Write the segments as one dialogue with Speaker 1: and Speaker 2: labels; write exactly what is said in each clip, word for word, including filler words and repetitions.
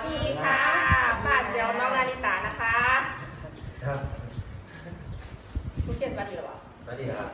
Speaker 1: ดีค่ะป้าเจียวน้องนาริตานะคะ
Speaker 2: ครับ
Speaker 1: คุณเกียรติมาดีหรอวะ
Speaker 2: มาดีครับ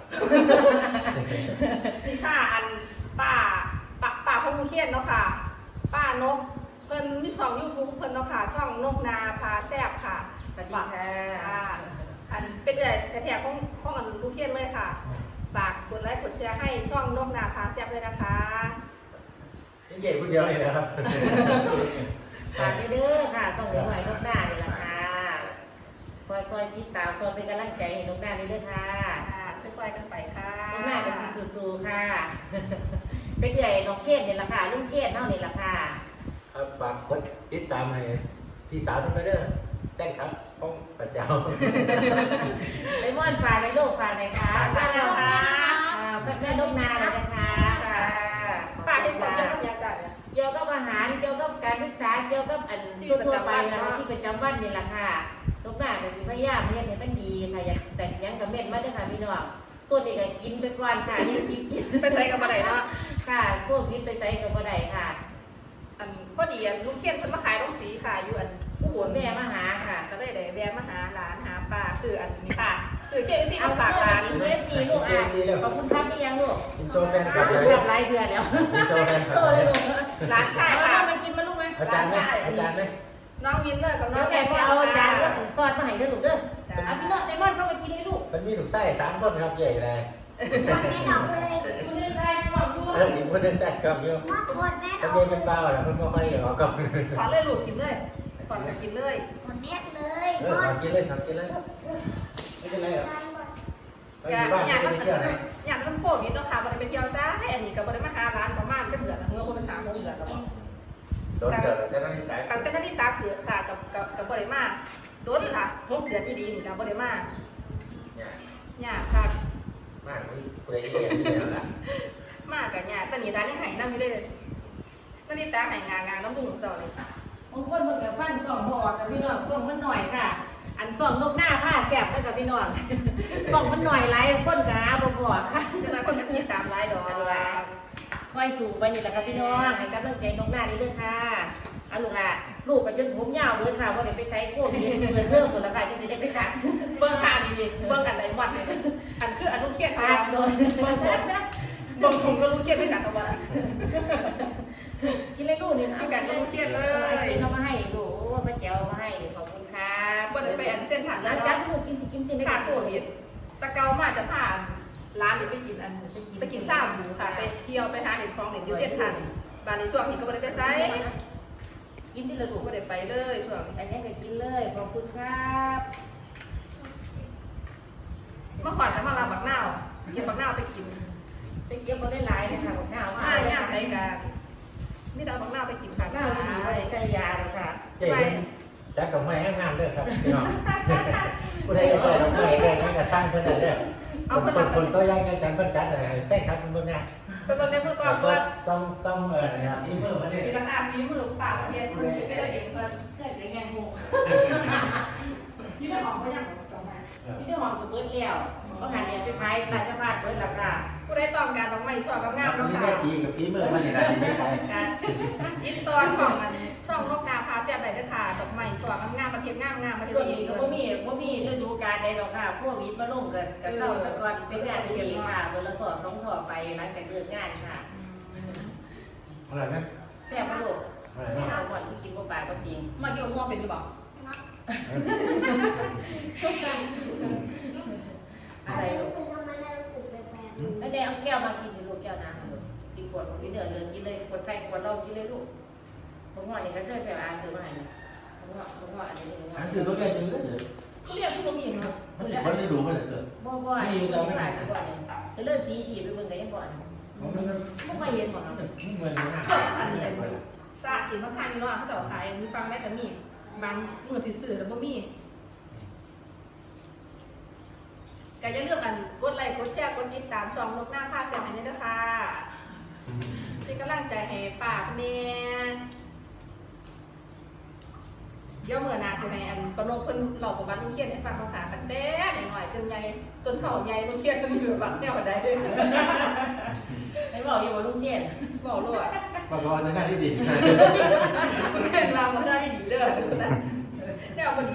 Speaker 1: นี่ค่ะอันป้าป้าป้าพ่อมูเขียนเนาะค่ะป้านกเพิ่นมีช่องยูทูบเพิ่นเนาะค่ะช่องนกนาพาแซ่บค่ะ
Speaker 3: สวัสดีค่ะ
Speaker 1: อันเป็นเดือดแถบของของอันลูกเขียนเลยค่ะฝากกดไลค์กดแชร์ให้ช่องนกนาพาแซ่บเลยนะคะ
Speaker 2: นี่ใหญ่คนเดียวเลยนะครับ
Speaker 3: ฝากเด้อค่ะส่งเดี๋ยวหน่อยนกหน้านี่แหละค่ะคอยซอยติดตามซอยเป็นกำลังใจให้นกหน้าเด้อค่ะ
Speaker 1: ค่ะช่วยๆกันไปค่ะ
Speaker 3: นกหน้าเป็นสีสู้ๆค่ะเป็นใหญ่นกเขียนนี่แหละค่ะลุงเขียนเท่านี่แหละค่ะ
Speaker 2: ครับฝากกดติดตามให้พี่สาวทุกคนเด้อแต่งครับป้องประเจ้า
Speaker 3: ไอมอนฝากในโลกฝากในค่ะ
Speaker 1: ฝากแล้วค่ะ
Speaker 3: แม่นกนาเลยนะคะ
Speaker 1: ป้าที่ชมเยอะกับยาจัด
Speaker 3: เกี่ยวกับอาหารเกี่ยวกับการศึกษาเกี่ยวกับอันทั่วไปนะที่ประจำวันนี่แหละค่ะนกหน้ากับสิพยายามเรียนให้มันดีค่ะอยากแต่งยังกับเม็ดมาด้วยค่ะพี่น้องส่วนนี้ก็กินไปก่อนค่ะยังกินกิน
Speaker 1: ไปใส่กับอะไรเนาะ
Speaker 3: ค่ะพวกวิทย์ไปใส่กับอะไรค่ะ
Speaker 1: อันพอดีอันลูกเขียนเพิ่นมาขายตรงสีค่ะอยู่อัน
Speaker 3: ผู้หวนแม่มาหาค่ะ
Speaker 1: ก็เลยได้แวะมาหาหลานหาป้าซื้ออันนี้ค่ะซื้อเจลซี่มาฝากหลาน
Speaker 3: เจลซี่ลูกอ่ะขอบคุณครับพี่ยังลูก
Speaker 2: กินโชว์แฟนคลับเลย
Speaker 3: แบบไรเดือนแล้ว
Speaker 2: กินโชว์แฟนคลับ
Speaker 3: เลย
Speaker 1: หลานชายค่ะ
Speaker 3: มากินมาลูกไหม
Speaker 2: อาจารย์ไหมอาจารย์ไหม
Speaker 1: น้องยินเลยกับน้อง
Speaker 3: แม่พ่อเอาจานซอสมาให้เด้อลูกเด้อเอาพี่น้องไดมอนเข้ามากินให้ลูก
Speaker 2: มันมีลูกไส้สามคนครับใหญ่เลย
Speaker 3: ไม่ดอกเลยคุณเล่นได้ก่อนด้วย
Speaker 2: เอออีกคนนึงแต่กับโยมแต่เย็นเป็นเบาแหละมันก็ค่อยออกก่อน
Speaker 1: ขอเลยลูกกินเลยขอเลยกินเลย
Speaker 3: คนเนี้ยเลย
Speaker 2: เออกินเลยครับกินเลยไม่เป็นไรหรอก
Speaker 1: อยากอยากอยากอยากต้องโควิดเนาะค่ะบริเวณเที่ยวซ่าให้อันนี้กับบริเวณหาร้านประมาณจะเดือดเมื่อคนเป็นสามโมงเดือดแล้ว
Speaker 2: โดนเกิดแต่นั่นนี่ตาย
Speaker 1: ตั้งแต่นั้นที่ตาเผือกค่ะกับกับกับบริมาโดนค่ะหกเดือนที่ดีกับบริมาเนี่ยค่ะ
Speaker 2: มากไม่เปรี้ยนี่แหละ
Speaker 1: มากกับเนี่ยตอนนี้ตานี่หายน้ำไม่ได้เลยตอนนี้ตาหายงางานน้ำบุ้งสอนเลย
Speaker 3: บางคนมันกับฟันสองหอกกับพี่น้องส่งมันหน่อยค่ะอันสองนกหน้าผ้าแสบนะกับพี่น้องส่งมันหน่อยไล่ก้นกระหาบ่บ่ค่ะ
Speaker 1: จะมาคนจะมีตามไล่ดอก
Speaker 3: ค่อยสู่ไปนี่แหละค่ะพี่น้องให้กำลังใจนกหน้านี่ด้วยค่ะเอาลูกละลูกกับจนผมยาวเลยค่ะว่าเดี๋ยวไปใส่โค้ดนี่เลยเพิ่มหมดแล้วค่ะจะได้ไปขัด
Speaker 1: เบื้องขาดีๆเบื้องอันไหนวัดเลยอันคืออันลูกเขียน
Speaker 3: ค่ะโดน
Speaker 1: เบื้องผมเบื้องผมก็ลูกเขียนไม่กัดเอาไว้
Speaker 3: กินเลยลูกนี่
Speaker 1: เอากัดลูกเขียนเลย
Speaker 3: กินเอามาให้ดูป้าเจ้ามาให้ขอบคุณค่ะ
Speaker 1: เบื้องไปอันเส้นผ่าน
Speaker 3: แล้วจับลูกกินสิกินสิ
Speaker 1: ขาโควิดตะเกามาจะผ่านร้านหรือไปกินอันไปกินข้าวหมูค่ะไปเที่ยวไปหาเห็ดของเห็ดยูเซียนผ่านบานในช่วงนี้ก็ไม่ได้ไปไซ
Speaker 3: กินที่เราถูก
Speaker 1: ไม่ได้ไปเลยช่วง
Speaker 3: อันนี้ก็กินเลยขอบคุณครับ
Speaker 1: เมื่อก่อนจะมาลาบักหน้ากินบักหน้าไปกิน
Speaker 3: ไปเกี่ยวมาได้หลายเลยค่ะบักหน้า
Speaker 1: ว่าเนี่ยใช้กันนี่เราบักหน้าไปกินค่ะ
Speaker 3: หน้าสีอะไรใส่ยาเลยค่ะ
Speaker 2: ไปจัดดอกไม้งามๆด้วยครับพี่น้องผู้ใดจะเปิดดอกไม้ได้งั้นจะสร้างเพื่อนได้เอาคนคนตัวย่างกันกันเพื่อนจัดอะไรแป้งครับเพื่อนเนี่ย
Speaker 1: เป็นคนในมือก่อนเพื่อน
Speaker 2: ซ่อมซ่อมเออเนี่ยฝีมือมาเนี่ย
Speaker 1: มีราคาฝีมือปากเพียนคุณไปได้เองเพื่อน
Speaker 3: เพื่อนจะแง่งง
Speaker 1: ยี่ห้อของเขาอย่าง
Speaker 3: พี่หอมกับเบิร์ดแล้วเพราะงานเนี่ยไปพายราชพัฒน์เบิร์ดหลักค่ะ
Speaker 1: ผู้ได้ต้องการดอกไม้ช่องามๆแล้วค่ะ
Speaker 2: นี่แม่จีกับฝีมือมันนี่นะที่ไม่ใช่
Speaker 1: ยิบตัวช่องมันช่องนกนาพาเสียบไหนได้ค่ะดอกไม้ช่องามๆประเทศงามๆมาที่
Speaker 3: ส่วนนี้ก็พ่มีพ่มีฤดูกาลใดหรอกค่ะพวกวิทย์มาลงกันกับเศร้าสะกอนเป็นงานดีๆค่ะเบอร์ละสอบสองสอบไปหลังจากเลิกงานค่ะ
Speaker 2: อร่อยไหม
Speaker 3: แซ่บมากลูกไม่เอาก่อนกินพวกปลาก็จริง
Speaker 1: มาเกี่ยวง่วงเป็นหรือเปล่า
Speaker 3: อะไรลูกแล้วเดี๋ยวเอาแก้วมากินลูกแก้วน้ำกินขวดของพี่เดือดเลยกินเลยขวดไฟขวดเรากินเลยลูกผมว่านี่ก็เสื้อใส่อาซื้อมาให้ผมว่าผมว่าอันนี้
Speaker 2: อาซื้อตัวใหญ่จังเลย
Speaker 1: เขาเรียกที่เขามีเนาะ
Speaker 2: มันมันได้ดูมันเลยเกิด
Speaker 3: บ่บ่ไม่มีเราไม่ได้สักวันจะเลือกสีผีไปเบิ่งกันยังบ่อนไม่ค่อยเห็นหมดเนาะ
Speaker 2: ไม่เหมือนกันนะ
Speaker 1: อันนี้ซาจินมะพร้าวนี่เนาะเขาจะขายมีฟังได้แต่มีบางมือสื่อแล้วบ่มีก็จะเลือกกันกดไลค์กดแชร์กดติดตามช่องนกหน้าผ้าเสียงให้ด้วยค่ะเป็นกำลังใจให้ปากเมียเดี๋ยวเมื่อนาใช่ไหมอันปนกคนหลอกกับบ้านลูกเขียนให้ฟังภาษากันเต้หน่อยจนใหญ่จนเข่าใหญ่ลูกเขียนก็มีแบบบัตรแนวบัตรได้ด้วย
Speaker 3: ไม่บอกอยู่ว่าลูกเขียน
Speaker 1: บอกลูก
Speaker 2: บอกว่าจะได้ที่ดี
Speaker 1: เป็นเราก็ได้ที่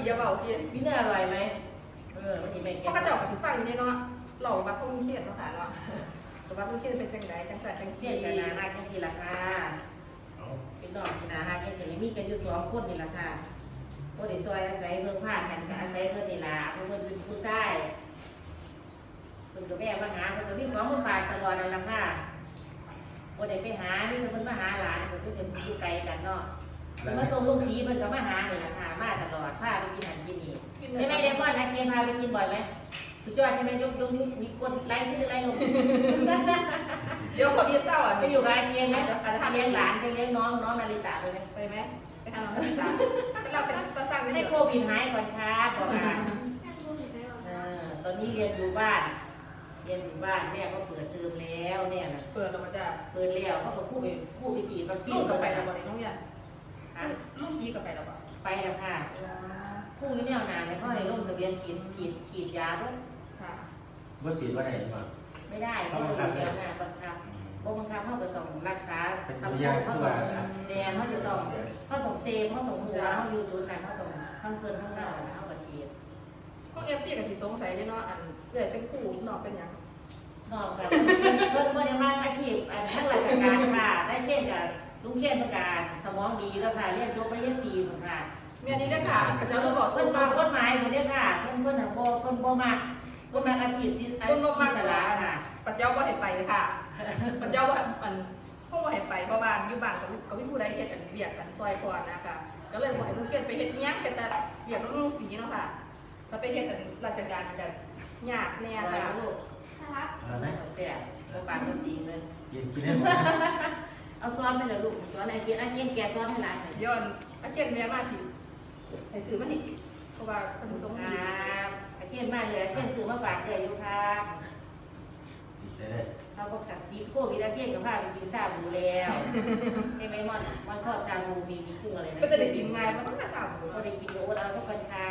Speaker 1: อย่าเบาที
Speaker 3: พี่เนื้ออร่อยไหมเออวันนี้แม่แก
Speaker 1: เพราะกระจอกกับฟังอยู่ในเนาะหล่อวัดพวกนี้เครียดเนาะค่ะเนาะแต่วัดพวกนี้เครียดเป็นจังไดจังสันจัง
Speaker 3: เสี
Speaker 1: ซี่
Speaker 3: ยกันนาหน้าจังทีละค่ะพี่น้องที่นาหน้าจังทีมีกันอยู่สองคนนี่ละค่ะก็ได้ซอยอาศัยเพิ่งพากันกับอาศัยเพิ่นนี่ล่ะเพิ่นเป็นผู้ชายเพิ่นกับแม่มาหาเพิ่นก็มีของมาฝากตลอดนั่นล่ะค่ะก็ได้ไปหานี่เพิ่นมาหาหลานเพิ่นก็เป็นอยู่ไกลกันเนาะมาส่งลูกสีเพิ่นก็มาหานี่ล่ะค่ะมาตลอดพาไปกินอาหารกินนี่ไม่ไม่ได้บ่อนนะเคพาไปกินบ่อยไหมสุดยอดใช่ไหมยกยกนิ้วมีกดไลค์ขึ้นไลค์ลง
Speaker 1: เดี๋ยวพอมีเศร้าอ่ะ
Speaker 3: ไปอยู่กับอาเทียนไหมจะเลี้ยงหลานไปเลี้ยงน้องน้องนาริตะไปไหม
Speaker 1: ไปไหมไปทำน้องสาวเราเป็นตาสั่ง
Speaker 3: ให้
Speaker 1: ให้
Speaker 3: โค
Speaker 1: โค
Speaker 3: วิดหายก่อนครับบอกอ่ะเออตอนนี้เรียนอยู่บ้าน เรียนอยู่บ้านแม่ก็เปิดเทอมแล้วเนี่ยนะ
Speaker 1: เปิดออกมาจะ
Speaker 3: เปิดแล้วเขาก็พูดไปพูดไปฉีดวัคซี
Speaker 1: ลู
Speaker 3: น
Speaker 1: กกับไปแล้วบ่ได้น้องยัน
Speaker 3: อ่ะ
Speaker 1: ลูกยีกับไปแล้วบ่
Speaker 3: ไปแล้วค่ะผู้ไม่แน่วนานเนี่ยเขาให้ลงทะเบียนฉีดฉีดฉีดยาด้วย
Speaker 1: ค่ะ
Speaker 2: ว่าสีว่าไหนมา
Speaker 3: ไม่ได้เขาลงทะเบียนนะบังคับบังคับเขาจะต้องรักษา
Speaker 2: เป็น
Speaker 3: สั
Speaker 2: สั
Speaker 3: ง
Speaker 2: ญ
Speaker 3: ค
Speaker 2: ญาม ณ
Speaker 3: เขา
Speaker 2: ที่
Speaker 3: ต้อ
Speaker 2: ว่าง
Speaker 3: แดนเขาจะต้องเขาต้องเซฟเขาต้องหัวเขาอยู่จุดไหนเขาต้องข้างเพิ่นข้างหน้าเขาก็ฉีด
Speaker 1: พวกเอฟซีกับที่สงสัยเนี่ยเนาะอันเกิดเป็นคู่นอกเป็นยัง
Speaker 3: นอกแบบเพิ่นบ่ได้มาอาชีพอันทั้งราชการค่ะได้เช่นกับลุงเขียนประกาศสมองดีแล้วค่ะเรียนจบปริญญาตรีพุ่นค่ะ
Speaker 1: เมียนี้ด้วยค่ะกระเจ้าเราบอก
Speaker 3: เพิ่นฟังกฎหมายพุ่นเด้อค่ะเพิ่นเพิ่นน่ะบ่เพิ่นบ่มักบ่มักอาชีพที่อา
Speaker 1: ต้นลม
Speaker 3: ชี
Speaker 1: มา
Speaker 3: พ
Speaker 1: ก
Speaker 3: ส
Speaker 1: ส
Speaker 3: ละ
Speaker 1: ลา
Speaker 3: ค่ะ
Speaker 1: ปัจเจ้าว่าเห็นไปค่ะปัจเจ้าว่าอันห้องว่าเห็นไปเพราะบ้านอยู่บ้านกับกับพี่ผู้ใดเฮ็ดอันเบียกกันซอยก่อนนะคะก็เลยบอกให้ลูกเกดไปเฮ็ดยังแต่เบียกลูกสีเนาะค่ะถ้าไปเฮ็ดอันราชการจะยากแน่
Speaker 3: อะไร
Speaker 1: ค่ะ
Speaker 3: ลูก
Speaker 1: นะคะ
Speaker 2: อะไรไหม
Speaker 3: แซ่บบ่ปากบ่ตีเลย
Speaker 2: กินกินได้หมด
Speaker 3: เอาซ้อนไปเลยลูกซ้อนไอ้เกียนไอ้เกียนแกซ้อนให้หลาน
Speaker 1: ย้อนอาเขียนแม่มาสิให้ซื้อมานี่เพราะว่าคนสง
Speaker 3: ค
Speaker 1: สี
Speaker 3: รับไอ้เกียนมาเลยไอ้เกียนซื้อมาฝากเด้ออยู่ครับ
Speaker 2: ดีเสร็จเลย
Speaker 3: เราก็กัดซีโควิดไอ้เกียนก็พาไปกินซาบูแล้วใช่ไหมม่อนม่อนชอบชาบูมีมีกุ้งอะไรนะ
Speaker 1: ก็จะได้กินง่ายมันต้องมาสาม
Speaker 3: ก็ได้กินโอ๊ตเอาทุกคนครับ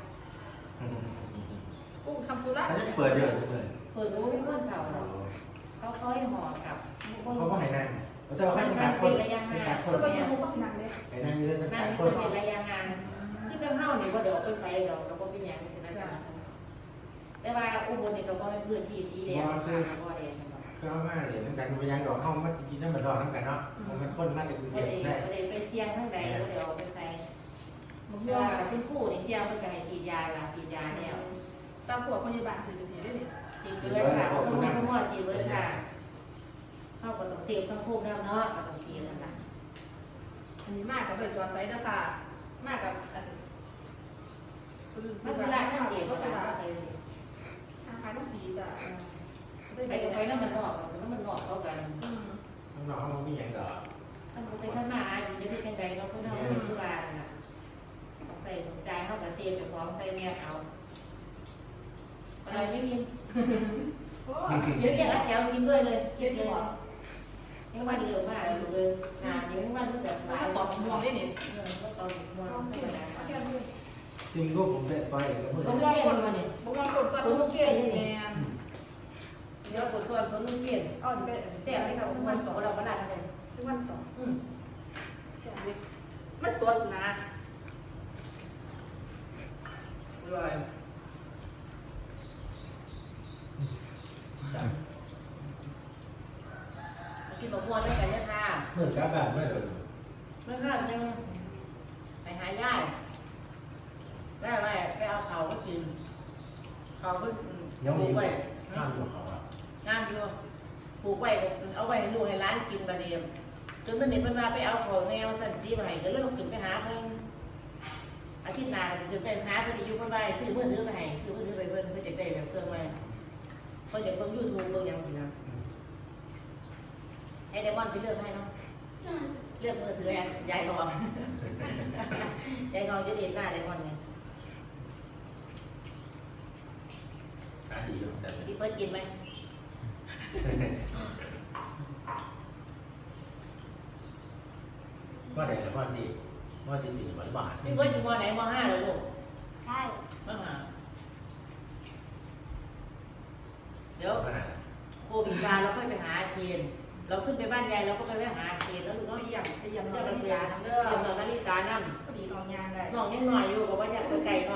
Speaker 1: กุ้งคำปุระ
Speaker 2: เขาจะเปิดเยอะสิเปิด
Speaker 3: เปิดรู้ไม่เพื่อนเขาหรอกเขาเขาให้ห่อกับ
Speaker 2: เขาก็ให้นั่งแต่ว่าเขาต้องการคนต้องการคน
Speaker 1: แล้วก็ยังมุกก็นั่งเลย
Speaker 2: ให้นั่งเยอะต้อง
Speaker 3: นั่
Speaker 2: กาน ร
Speaker 3: นี่
Speaker 2: ค
Speaker 3: จะ
Speaker 2: น
Speaker 3: เป็นระยะงานที่จะเข้านี่ว่าเดี๋ยวไปใส่เดี๋ยวเราก็เป็นอย่างนี้นะแต่ว่าอุบลนี่ก็บ่เป็นพื้นที่สีแดงบ่แดง
Speaker 2: เขามาเดี๋ยวต้องการไปยังดอกห้องมากินน้ำมันดอกน้ำกันเนาะมันคนมาจากกรุงเท
Speaker 3: บ่
Speaker 2: พ
Speaker 3: ได้
Speaker 2: ได้
Speaker 3: บ่ได้ไปเสี่ยงทั้งใดเดี๋ยวไปใส่
Speaker 1: มุก
Speaker 3: เมื่
Speaker 1: ย่
Speaker 3: อ
Speaker 1: อ
Speaker 3: คุณครูนี่เสี่ยงเพิ่นก็ให้ฉีดยาล่ะฉีดยาแล้ว
Speaker 1: ตามพวกพยาบาลคือจะสีได้เนี่ย
Speaker 3: ฉีดเบิร์ดค่ะสมมุติสมมุติฉีดเบิร์ดค่ะเข้าก็ต้องเสพสังคมแล้วเนาะก็ต้องฉีดนั่นล่ะ
Speaker 1: อันนี้มากกับเปิดจอไซส์นะคะมากกับอัน
Speaker 3: มันเวลาทำเด็กเวลาไป
Speaker 1: ทางการต้องสีจ้ะ
Speaker 3: ไปกับไปแล้วมันงอกแล้วมันงอกเข้ากัน
Speaker 2: น้องๆมีอย่างดอก
Speaker 3: ถ้ามันไปข้างหน้าจะได้เป็นไงเราก็ต้องไปที่บ้านน่ะใส่ถุงใจเข้ากับเสียบไปพร้อมใส่แม่เขาอะไรไม่กินเดี๋ยวเดี๋ยวแก้วกินด้วยเลย
Speaker 1: เยอะจังหวะ
Speaker 3: ยังวันเดียวมากเลยงานเดี๋ยววันรู้จักหลาย
Speaker 1: ตอบมองได้เนี่ย
Speaker 3: เออก็ตอนมองธรรมดา
Speaker 2: จริงก็ผมเป็นไปแล้วพูด
Speaker 3: ผมเขียนมาเนี่ย
Speaker 1: บุกมากดสัตว์ลูกเขียนแมน
Speaker 3: เดี๋ยวกดส่วนส่วนลูกเขียน
Speaker 1: อ๋อเด็ก
Speaker 3: เสียบเลยค่ะวันต่อเราก็ได้เลย
Speaker 1: ทุกวันต่อ
Speaker 3: อืม
Speaker 1: มันสดนะ
Speaker 3: อร่อยกินบะม่วงด้วยกันเนี่ยค่ะ
Speaker 2: เมื่อกลับบ้านเมื่อ
Speaker 3: เมื่อคืนยังไปหายายได้ไหมไปเอาเขาก็กินเขาก็ป
Speaker 2: ยัง
Speaker 3: ลู
Speaker 2: มี
Speaker 3: กไว้
Speaker 2: ข้ามตัวเขาอ่ะ
Speaker 3: งามอยู่ปลูกไว้เอาไว้ให้ลูกให้ร้านกินประเดี๋ยวจนมันเด็กมันมาไปเอาของแนวสันซีมาให้ก็เลยต้องขึ้นไปหาเพิ่นอาทิตย์หน้าจะไปหาเพิ่นอยู่เพิ่นไปซื้อเพิ่นซื้อไปให้ซื้อเพิ่นซื้อไปเพิ่นเพิ่นจะได้แบบเครื่องไว้เพิ่นจะเบิ่งยูทูบเบิ่งหยังสินะให้ไดมอนด์ไปเลือกให้เนาะเลือกมือถือยายทองยายทองจะเด่นหน้าไดมอนด์ไง
Speaker 2: ขาดีอยู่แต่
Speaker 3: พี่เพิ่นกินไหม
Speaker 2: ว่าไหนว่าสิว่าสิปีหวานบาท
Speaker 3: พี่เพิ่นอยู่มไหนมห้าเลยลูก
Speaker 4: ใช่
Speaker 3: มห้าเดี๋ยวโควิดมาเราค่อยไปหาเคนเราขึ้นไปบ้านยายเราก็ไปแวะหาเคนแล้วลูก
Speaker 1: น้อ
Speaker 3: เนาะ
Speaker 1: งอีหยังจะยัง
Speaker 3: เดี๋
Speaker 1: น้
Speaker 3: ย
Speaker 1: อ
Speaker 3: ว
Speaker 1: ง
Speaker 3: เรา
Speaker 1: อี
Speaker 3: ไป
Speaker 1: หยั
Speaker 3: หาง
Speaker 1: เด้
Speaker 3: เด้
Speaker 1: อ
Speaker 3: อเดี๋ยวเรานาฬิกานั่ง
Speaker 1: พอดีน้องยางได้
Speaker 3: น้องยังหน่อยอยู่บอกว่าอยากไปไกล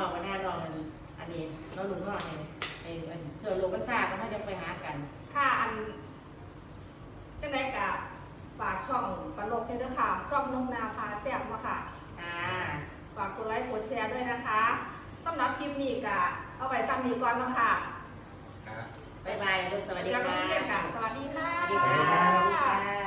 Speaker 3: เราลุงนอนเนี่ยไอ้เสือโลมันซาก็มาจะไปหากัน
Speaker 1: ค่ะอันจังไดกะฝากช่องปลกให้ด้วยค่ะ ช่องนงนาพาแซ่บมาค่ะ
Speaker 3: อ่า
Speaker 1: ฝากกดไลค์กดแชร์ด้วยนะคะสำหรับคลิปนี้กะเอาไปซ้ำนี้ก่อนเนาะค่ะ
Speaker 2: ครับ
Speaker 3: บ๊ายบายลูกสวัสดี
Speaker 1: จะ
Speaker 3: ค่ะ
Speaker 1: มาเรียนกันสวัสดีค่ะ
Speaker 3: สวัสดีค่ะ